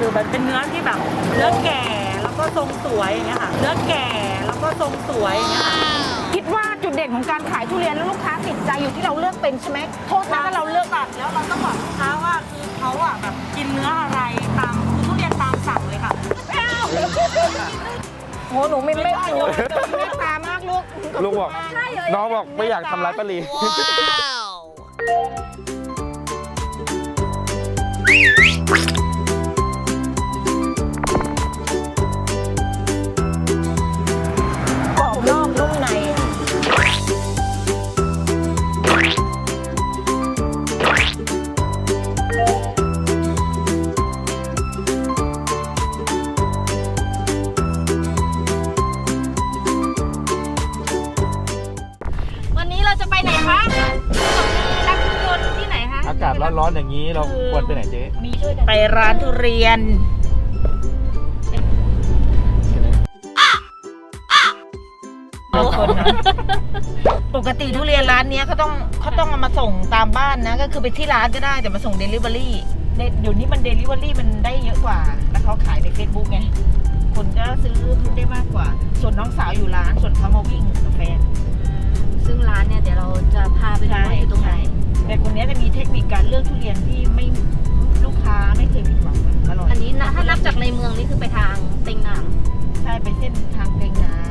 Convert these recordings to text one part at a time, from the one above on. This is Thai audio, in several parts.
มันเป็นเนื้อที่แบบเนื้อแก่แล้วก็ทรงสวยอย่างเงี้ยค่ะเนื้อแก่แล้วก็ทรงสวยอย่างเงี้ยค่ะคิดว่าจุดเด่นของการขายทุเรียนแล้วลูกค้าติดใจอยู่ที่เราเลือกเป็นใช่ไหมโทษนะถ้าเราเลือกตัดแล้วเราต้องบอกลูกค้าว่าคือเขาอะแบบกินเนื้ออะไรตามคือทุเรียนตามสั่งเลยค่ะโหหนูไม่เมตตามากลูกลูกบอกน้องบอกไม่อยากทำร้ายป้าลีกรอบนอกนุ่มในวันนี้เราจะไปไหนคะนักทุเรียนที่ไหนคะอากาศร้อนๆอย่างนี้เราควรไปไหนเจ๊มีช่วยกันไปร้านทุเรียนปกติทุเรียนร้านนี้เขาต้องเอามาส่งตามบ้านนะก็คือไปที่ร้านก็ได้แต่มาส่งเดลิเวอรี่เดี๋ยวนี้มันเดลิเวอรี่มันได้เยอะกว่าแล้วเขาขายใน Facebook ไงคนก็ซื้อได้มากกว่าส่วนน้องสาวอยู่ร้านส่วนเขามาวิ่งกับแฟนซึ่งร้านเนี่ยเดี๋ยวเราจะพาไปดูว่าอยู่ตรงไหนแต่คนนี้จะมีเทคนิคการเลือกทุเรียนที่ไม่ลูกค้าไม่เคยผิดหวังอร่อยอันนี้นะถ้านับจากในเมืองนี่คือไปทางเต็งหนามใช่ไปเส้นทางเต็งน้ำ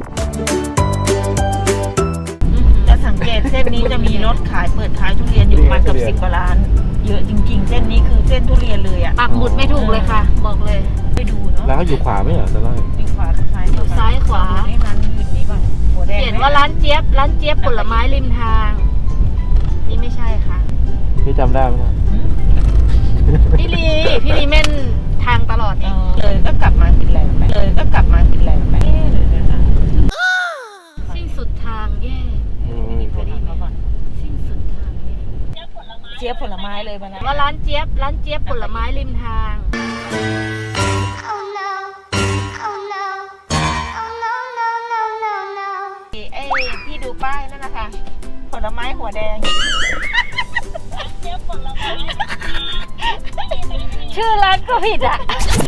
จะสังเกตเส้นนี้จะมีรถขายเปิดขายทุเรียนอยู่ประมาณกับ10 กว่าร้านเยอะจริงๆ เส้นนี้คือเส้นทุเรียนเลยอ่ะปักหมุดไม่ถูกเลยค่ะ บอกเลยไปดูเนาะแล้วเขาอยู่ขวาไหมเหรอตอนแรกอยู่ขวาซ้ายอยู่ซ้ายขวาให้ร้านอื่นนี้ก่อนหัวแดงเขียนว่าร้านเจี๊ยบผลไม้ริมทาง นี่ไม่ใช่ค่ะพี่จำได้ไหมเนี่ยพี่ลีเม่นทางตลอดเองเลยก็กลับมากินแรงไปเลยก็กลับมากินแรงไปเลยนะคะสิ้นสุดทางแย่เคยได้ยินมาก่อนสิ้นสุดทางแย่เจี๊ยบผลไม้เลยวันนั้นว่าร้านเจี๊ยบผลไม้ริมทาง Oh no. Oh no. Oh no, no, no, no, no. ไอ้ที่ดูป้ายนั่นนะคะผลไม้หัวแดงชื่อร้านก็ผิดอ่ะ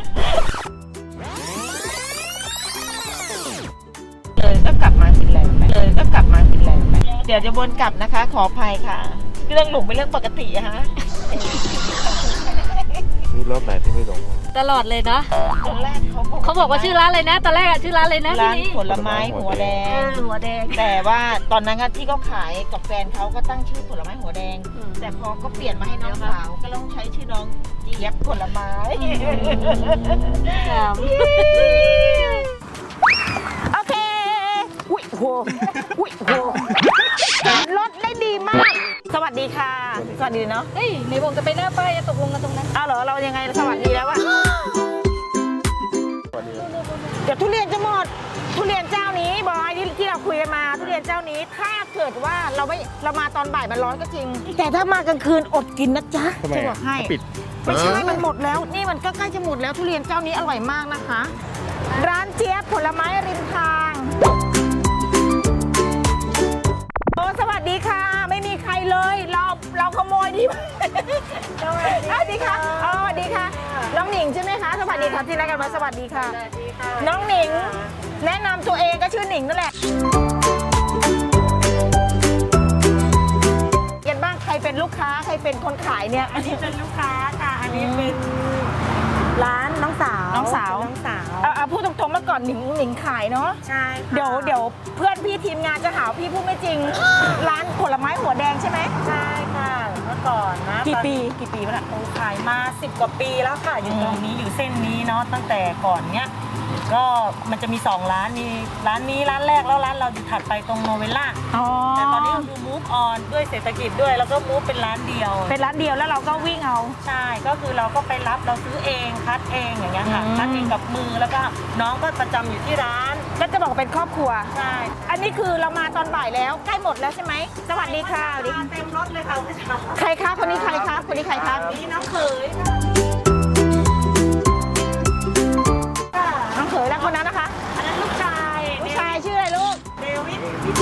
เลยก็กลับมากินแรงไปเลยก็กลับมากินแรงไปเดี๋ยวจะวนกลับนะคะ ขออภัยค่ะเรื่องหลงเป็นเรื่องปกติอะฮะมีรถไหนที่ไม่หลงตลอดเลยเนาะตอนแรกเขาบอกว่าชื่อร้านอะไรนะ ตอนแรกอะชื่อร้านอะไรนะร้านพี่ผลไม้หัวแดงหัวแดงแต่ว่าตอนนั้นอะที่เขาขายกับแฟนเขาก็ตั้งชื่อผลไม้หัวแดง แต่พอก็เปลี่ยนมาให้น้องสาวก็ต้องใช้ชื่อน้องเจี๊ยบผลไม้โอเคอุ้ยโหอุ้ยโหรถได้ดีมาก สวัสดีค่ะสวัสดีเนาะเฮ้ยในวงจะไปหน้าป้ายตกลงกันตรงนั้นเอาเหรอเรายังไงสวัสดีแล้วอะเดี๋ยวทุเรียนจะหมดทุเรียนเจ้านี้บอยที่เราคุยกันมาทุเรียนเจ้านี้ถ้าเกิดว่าเรามาตอนบ่ายมันร้อนก็จริง แต่ถ้ามากลางคืนอดกินนะจ๊ะทำไมจะบอกให้ปิดไม่ใช่มันหมดแล้วนี่มันก็ใกล้จะหมดแล้วทุเรียนเจ้านี้อร่อยมากนะคะ ร้านเจี๊ยบผลไม้ริมทางโอ้สวัสดีค่ะ ไม่มีใครเลยเราขโมยดีสวัสดีค่ะอ๋อสวัสดีค่ะน้องหนิงใช่ไหมคะสวัสดีค่ะที่รักกันมาสวัสดีค่ะ น้องหนิงแนะนำตัวเองก็ชื่อหนิงนั่นแหละยันบ้างใครเป็นลูกค้าใครเป็นคนขายเนี่ยอันนี้เป็นลูกค้าค่ะอันนี้เป็นร้านน้องสาวน้องสาวเอาพูดตรงๆเมื่อก่อนหนิงขายเนาะใช่เดี๋ยวเพื่อนพี่ทีมงานจะหาพี่พูดไม่จริง ร้านผลไม้หัวแดงใช่ไหมใช่ค่ะเมื่อก่อนนะกี่ปีมาละโอ้ขายมา10 กว่าปีแล้วค่ะอยู่ตรงนี้อยู่เส้นนี้เนาะตั้งแต่ก่อนเนี้ยก็มันจะมี2ร้านมีร้านนี้ร้านแรกแล้วร้านเราอยู่ถัดไปตรงโนเวล่าอ๋อแต่ตอนนี้ก็คือ move on ด้วยเศรษฐกิจด้วยแล้วก็ move เป็นร้านเดียวเป็นร้านเดียวแล้วเราก็วิ่งเอาใช่ก็คือเราก็ไปรับเราซื้อเองคัดเองอย่างเงี้ยค่ะอืมคัดเองกับมือแล้วก็น้องก็ประจำอยู่ที่ร้านก็จะบอกว่าเป็นครอบครัวใช่อันนี้คือเรามาตอนบ่ายแล้วใกล้หมดแล้วใช่ไหมสวัสดีค่ะสวัสดีมาเต็มรถเลยค่ะคุณชาใครคะคนนี้ใครคะคนนี้ใครคะนี่น้องเขยค่ะน้องเขยแล้วคนนั้นนะคะอันนั้นลูกชายผู้ชายชื่ออะไรลูกเดวิด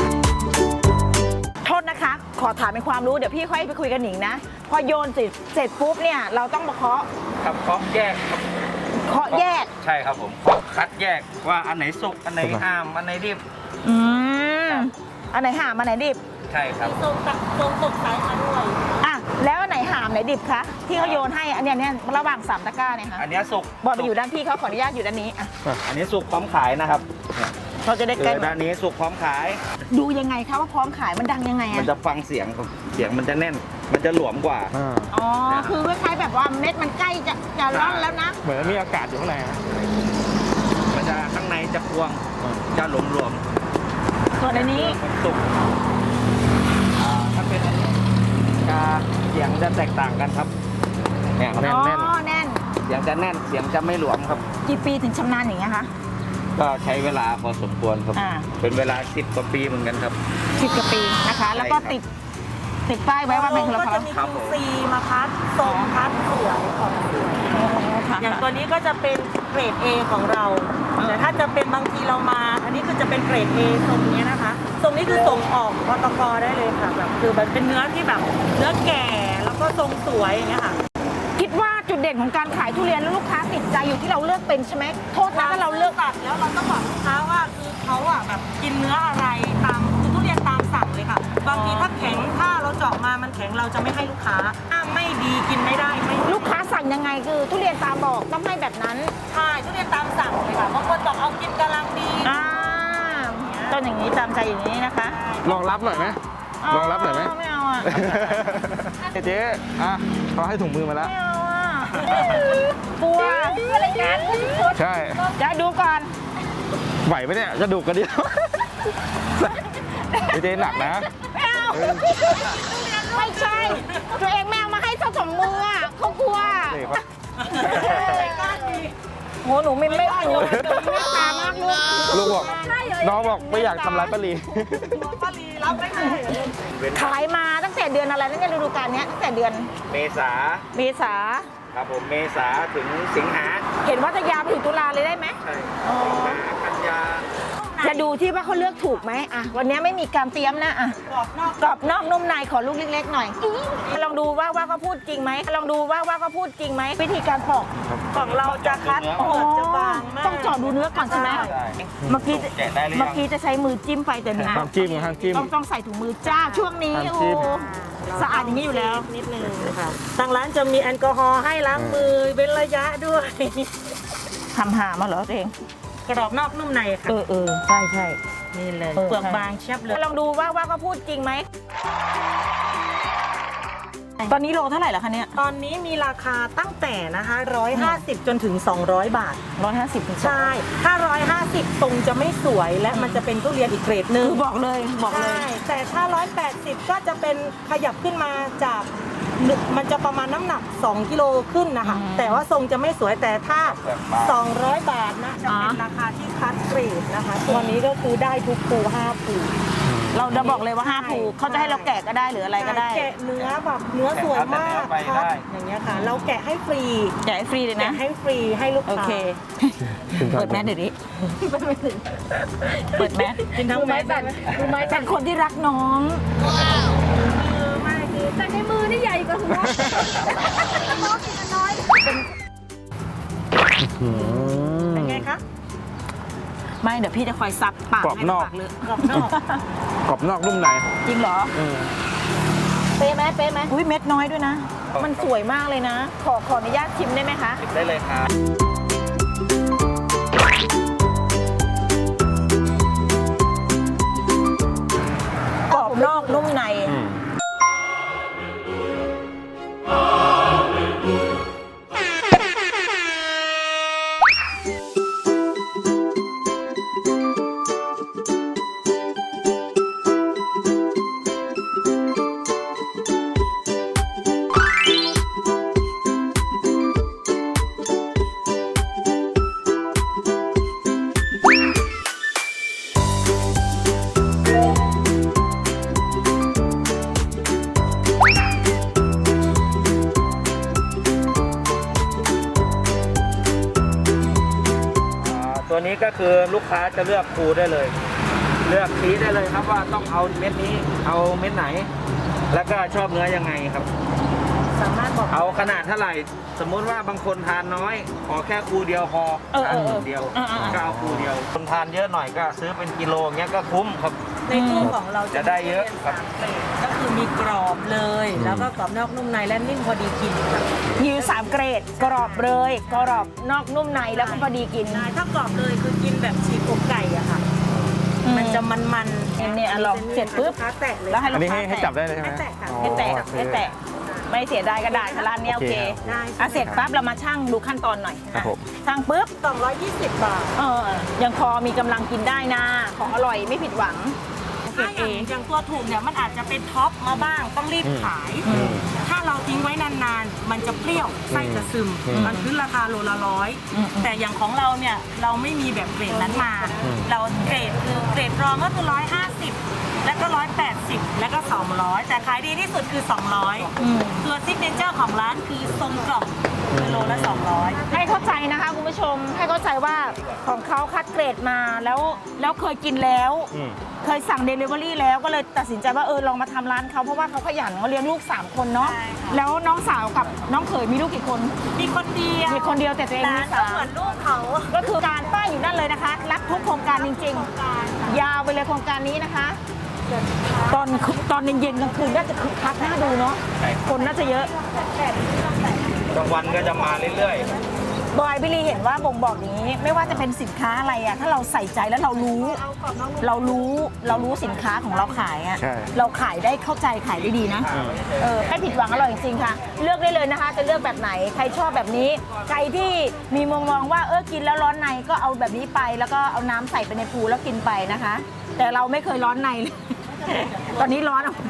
โทษนะคะ ขอถามเป็นความรู้เดี๋ยวพี่ค่อยไปคุยกับหนิงนะ พอโยนเสร็จปุ๊บเนี่ยเราต้องมาเคาะครับเคาะแยกครับเคาะแยกใช่ครับผมคัดแยกว่าอันไหนสุกอันไหนห้ามอันไหนดิบอืมอันไหนหามอันไหนดิบใช่ครับทรงตกสายมาด้วยอ่ะแล้วอันไหนหามไหนดิบคะที่เขาโยนให้อันเนี้ยเนี่ยระหว่าง3ตะกร้าเนี่ยค่ะอันเนี้ยสุกบอลไปอยู่ด้านพี่เขาขออนุญาตอยู่ด้านนี้อ่ะอันนี้สุกพร้อมขายนะครับเราจะได้คืใกล้อด้านนี้สุกพร้อมขายดูยังไงคะว่าพร้อมขายมันดังยังไงมันอ่ะจะฟังเสียงครับเสียงมันจะแน่น มันจะหลวมกว่าอ๋อคือคล้ายๆแบบว่าเม็ดมันใกล้จะร่อนแล้วนะเหมือนมีอากาศอยู่ข้างในนะมันจะข้างในจะพวงจะหลวมส่วนอันนี้ๆสุกถ้าเป็นอันนี้จะเสียงจะแตกต่างกันครับเนี่ยครับอ๋อแน่นแน่นเสียงจะแน่นเสียงจะไม่หลวมครับกี่ปีถึงชำนาญอย่างเงี้ยคะก็ใช้เวลาพอสมควรครับอ่าเป็นเวลา10 กว่าปีเหมือนกันครับ 10 กว่าปีนะคะ แล้วก็ติดป้ายไว้ว่าเป็นของเราครับผมซีมาคัดทรงคัดสวยของสวย อย่างตัวนี้ก็จะเป็นเกรด A ของเรา แต่ถ้าจะเป็นบางทีเรามา อันนี้คือจะเป็นเกรด A ทรงนี้นะคะ ทรงนี้คือส่งออกปตกได้เลยค่ะแบบคือแบบเป็นเนื้อที่แบบเนื้อแก่แล้วก็ทรงสวยอย่างเงี้ยค่ะคิดว่าจุดเด่นของการขายทุเรียนแล้วลูกค้าติดใจอยู่ที่เราเลือกเป็นใช่ไหมโทษนะถ้าเราเลือกตัดแล้วเราต้องบอกลูกค้าว่าคือเขาอะแบบกินเนื้ออะไรตามคือทุเรียนตามสั่งเลยค่ะ บางทีถ้าแข็งถ้าเราเจาะมามันแข็งเราจะไม่ให้ลูกค้าถ้าไม่ดีกินไม่ได้ไม่ลูกค้าสั่งยังไงคือทุเรียนตามบอกต้องให้แบบนั้นใช่ทุเรียนตามสั่งเลยค่ะบางคนบอกเอากินกำลังดีต้นอย่างนี้ตามใจอย่างนี้นะคะลองรับหน่อยไหมลองรับหน่อยไหมไม่เอาอ่ะเจ๊อ่ะเขาให้ถุงมือมาแล้วไม่เอาอ่ะกลัวอะไรกันใช่จะดูก่อนไหวไหมเนี่ยกระดูกกระเดี่ยวเจ๊หนักนะไม่เอาไม่ใช่ ตัวเองไม่เอามาให้เจ้าสองมืออ่ะเขากลัวนี่เขาโหหนูไม่หนูไม่ตามากลูกลูกบอกน้องบอกไม่อยากทำร้ายป้าลีป้าลีรับไม่ได้ขายมาตั้งแต่เดือนอะไรนั่นเนี่ยฤดูกาลเนี้ยตั้งแต่เดือนเมษาเมษาครับผมเมษาถึงสิงหาเห็นว่าจะยาวไปถึงตุลาเลยได้ไหมใช่สิงหากันยาจะดูที่ว่าเขาเลือกถูกไหมอ่ะวันนี้ไม่มีการเตรียมนะอ่ะกรอบนอกนุ่มในขอลูกเล็กๆหน่อยลองดูว่าเขาพูดจริงไหมลองดูว่าเขาพูดจริงไหมวิธีการปอกของเราจะคัดเปลือกจะบางมากต้องเจาะดูเนื้อก่อนใช่ไหมใช่เมื่อกี้แกะได้หรือยังเมื่อกี้จะใช้มือจิ้มไปแต่เนื้อห้ามจิ้มห้ามจิ้มต้องใส่ถุงมือจ้าช่วงนี้ห้ามโอ้จิ้มสะอาดอย่างนี้อยู่แล้วนิดนึงค่ะทางร้านจะมีแอลกอฮอล์ให้ล้างมือเป็นระยะด้วยทำหามาเหรอตัวเองกรอบนอกนุ่มในค่ะใช่ใช่นี่เลยเออเปลือกบางเชียบเลยลองดูว่าเขาพูดจริงไหมตอนนี้โลเท่าไหร่แล้วคะเนี่ยตอนนี้มีราคาตั้งแต่นะคะ150 จนถึง 200 บาท 150ถึงใช่ ถ้า 150 ทรงจะไม่สวยและมันจะเป็นทุเรียนอีกเกรดหนึ่งคือบอกเลยบอกเลยใช่แต่ถ้า 180 ก็จะเป็นขยับขึ้นมาจากมันจะประมาณน้ำหนัก 2 กิโลขึ้นนะคะ แต่ว่าทรงจะไม่สวยแต่ถ้า 200 บาทนะจะเป็นราคาที่คัดเกรดนะคะ ตัวนี้ก็คือได้ทุกภู5ภูเราจะบอกเลยว่า5ภูเขาจะให้เราแกะก็ได้หรืออะไรก็ได้แกะเนื้อแบบเนื้อสวยมากแกะเนื้อไปได้อย่างเงี้ยค่ะ เราแกะให้ฟรีแกะให้ฟรีเลยนะแกะให้ฟรีให้ลูกโอค้าเค เปิดแมสเดี๋ยวนี้เปิดแมสกินทั้งแมสได้ไหมเป็นคนที่รักน้องไม่คือแต่ในมือนี่ใหญ่กว่าหัวน้องกินน้อยเป็นไงคะไม่เดี๋ยวพี่จะคอยซับปากกรอบให้นอกปากเลยกรอบนอกกรอบนอกนุ่มในจริงเหรอ เป๊ะไหมเป๊ะไหมอุ้ยเม็ดน้อยด้วยนะ มันสวยมากเลยนะ ขออนุญาตชิมได้ไหมคะชิมได้เลยครับกรอบนอกนุ่มในตัวนี้ก็คือลูกค้าจะเลือกภูได้เลย เลือกสีได้เลยครับว่าต้องเอาเม็ดนี้ เอาเม็ดไหน แล้วก็ชอบเนื้อยังไงครับสามารถบอกเอาขขนาดเท่าไหร่ สมมุติว่าบางคนทานน้อย ขอแค่คูเดียวพอทานคูเดียวก็เอาคูเดียว คนทานเยอะหน่อยก็ซื้อเป็นกิโลเงี้ยก็คุ้มครับในตู้ของเราจะได้เยอะครับก็คือมีกรอบเลย แล้วก็กรอบนอกนุ่มในและนิ่มพอดีกินค่ะมีอยู่3เกรดกรอบเลยกรอบนอกนุ่มในแล้วก็พอดีกินถ้ากรอบเลยคือกินแบบฉีกอกไก่อะค่ะ มันจะมันๆเนี่ยลองเสร็จปุ๊บค้าแตกเลยแล้วให้อัลูนกนี้ค้าให้จับได้เลยใช่ไหมให้แตะค่ะอ๋อให้แตะโอเคให้แตะไม่เสียดายกระดาษค่ะร้านเนี้ยโอเคโอเคได้อ่ะเสร็จปั๊บเรามาชั่งดูขั้นตอนหน่อยครับผมชั่งปุ๊บ 220 บาทยังพอมีกำลังกินได้นะของอร่อยไม่ผิดหวังถ้าอย่างตัวถูกเนี่ยมันอาจจะเป็นท็อปมาบ้างต้องรีบขาย ถ้าเราทิ้งไว้นานๆ มันจะเปรี้ยวไส้จะซึม มันขึ้นราคาโลละ100 แต่อย่างของเราเนี่ยเราไม่มีแบบเกรดนั้นมา เราเกรดคือเกรดรองก็คือ150 แล้วก็180 แล้วก็200 แต่ขายดีที่สุดคือ200ตัวซิกเนเจอร์ของร้านคือทรงกล่องคือโลละ200 ให้เข้าใจนะคะคุณผู้ชมให้เข้าใจว่าของเขาคัดเกรดมาแล้วเคยกินแล้ว เคยสั่ง Delivery แล้วก็เลยตัดสินใจว่าลองมาทำร้านเขาเพราะว่าเขาขยันเขาเลี้ยงลูก3คนเนาะใช่ค่ะแล้วน้องสาวกับน้องเขยมีลูกกี่คนมีคนเดียวมีคนเดียวแต่ตัวเองมีร้านก็สามเหมือนลูกเขาก็คือการป้ายอยู่นั่นเลยนะคะ รับทุกโครงการจริงๆ ยาวไปเลยโครงการนี้นะคะ ตอนเย็นๆกลางคืนน่าจะคึกคักน่าดูเนาะใช่ครับคนน่าจะเยอะกลางวันก็จะมาเรื่อยบอยพี่ลีเห็นว่าบ่งบอกนี้ไม่ว่าจะเป็นสินค้าอะไรอะถ้าเราใส่ใจแล้วเรารู้สินค้าของเราขายอะใช่เราขายได้เข้าใจขายได้ดีนะไม่ผิดหวังอร่อยจริงๆค่ะ เลือกได้เลยนะคะ จะเลือกแบบไหนใครชอบแบบนี้ ใครที่มีมุมมองว่ากินแล้วร้อนในก็เอาแบบนี้ไป แล้วก็เอาน้ำใส่ไปในพูแล้วกินไปนะคะ แต่เราไม่เคยร้อนในเลย ตอนนี้ร้อนอ่ะ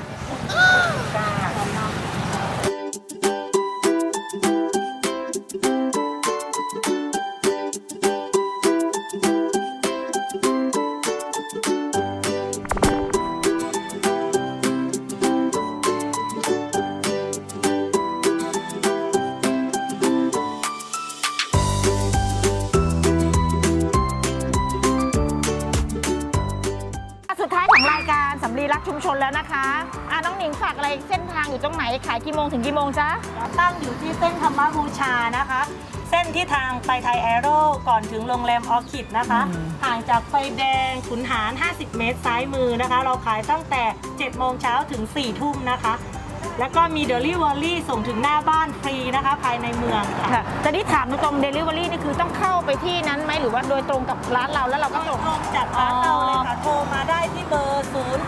สุดท้ายของรายการสำลีรักชุมชนแล้วนะคะน้องหนิงฝากอะไรเส้นทางอยู่ตรงไหนขายกี่โมงถึงกี่โมงจ๊ะตั้งอยู่ที่เส้นธรรมบูชานะคะ เส้นที่ทางไปไทยแอโร่ก่อนถึงโรงแรมออคิดนะคะ ห่างจากไฟแดงขุนหาร 50 เมตรซ้ายมือนะคะ เราขายตั้งแต่ 7 โมงเช้าถึง 4 ทุ่มนะคะ แล้วก็มี Delivery ส่งถึงหน้าบ้านฟรีนะคะ ภายในเมืองค่ะค่ะแต่ที่ถามตรงๆ Delivery นี่คือต้องเข้าไปที่นั้นไหมหรือว่าโดยตรงกับร้านเราแล้วเราก็ส่งตรงจากร้านเราเลยค่ะ โทรมาได้ที่เบอร์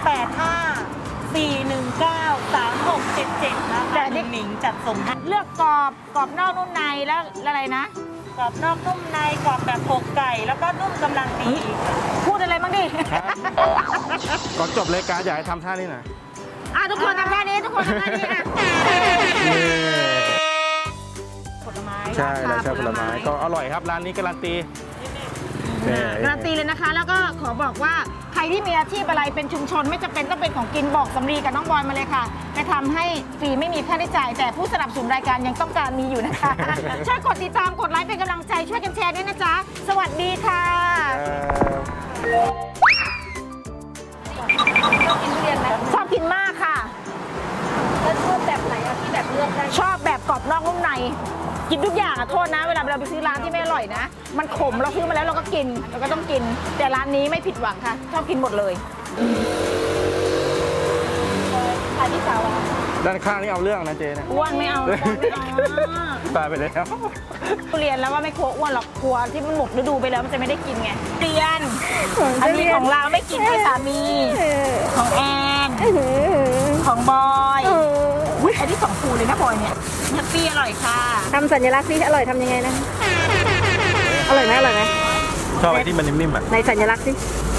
085-419-3677 นะคะแต่นี่หนิงจัดส่งให้เลือกกรอบนอกนุ่มในแล้วอะไรนะกรอบนอกนุ่มในกรอบแบบอกไก่ แล้วก็นุ่มกำลังดีพูดอะไรบ้างดิก่อนจบรายการอยากให้ทำท่านี้หน่อยทุกคนทำท่านี้ทุกคนทำท่านี้ผลไม้ใช่เราใช้ผลไม้ก็อร่อยครับร้านนี้การันตีนี่การันตีเลยนะคะ แล้วก็ขอบอกว่าใครที่มีอาชีพอะไรเป็นชุมชนไม่จำเป็นต้องเป็นของกินบอกสำลีกับน้องบอยมาเลยค่ะไปทำให้ฟรีไม่มีค่าใช้จ่ายแต่ผู้สนับสนุนรายการยังต้องการมีอยู่นะคะ ช่วยกดติดตามกดไลค์เป็นกำลังใจช่วยกันแชร์ด้วยนะจ๊ะสวัสดีค่ะ ชอบกินทุเรียนไหมชอบกินมากค่ะแล้วชอบแบบไหนอะที่แบบเลือกได้ชอบแบบกรอบนอกนุ่มใน กินทุกอย่างอะโทษนะ เวลาเราไปซื้อร้านที่ไม่อร่อยนะ มันขมเราซื้อมาแล้วเราก็กินเราก็ต้องกิน แต่ร้านนี้ไม่ผิดหวังค่ะ ชอบกินหมดเลยขายที่สาวอะด้านข้างนี่เอาเรื่องนะเจนะอ้วนไม่เอาอ้วนไม่เอาตายไปแล้วทุเรียนแล้วว่าไม่กลัวอ้วนหรอกกลัวที่มันหมดฤดูไปแล้วมันจะไม่ได้กินไงเตียนอันนี้ของเราไม่กินให้สามี ของแอนของบอยอุ๊ยอันนี้ของครูเลยนะบอยเนี่ยแฮปปี้อร่อยค่ะทำสัญลักษณ์สิอร่อยทำยังไงนะ อร่อยไหมชอบไอ้ที่มันนิ่มๆอ่ะในสัญลักษณ์สิ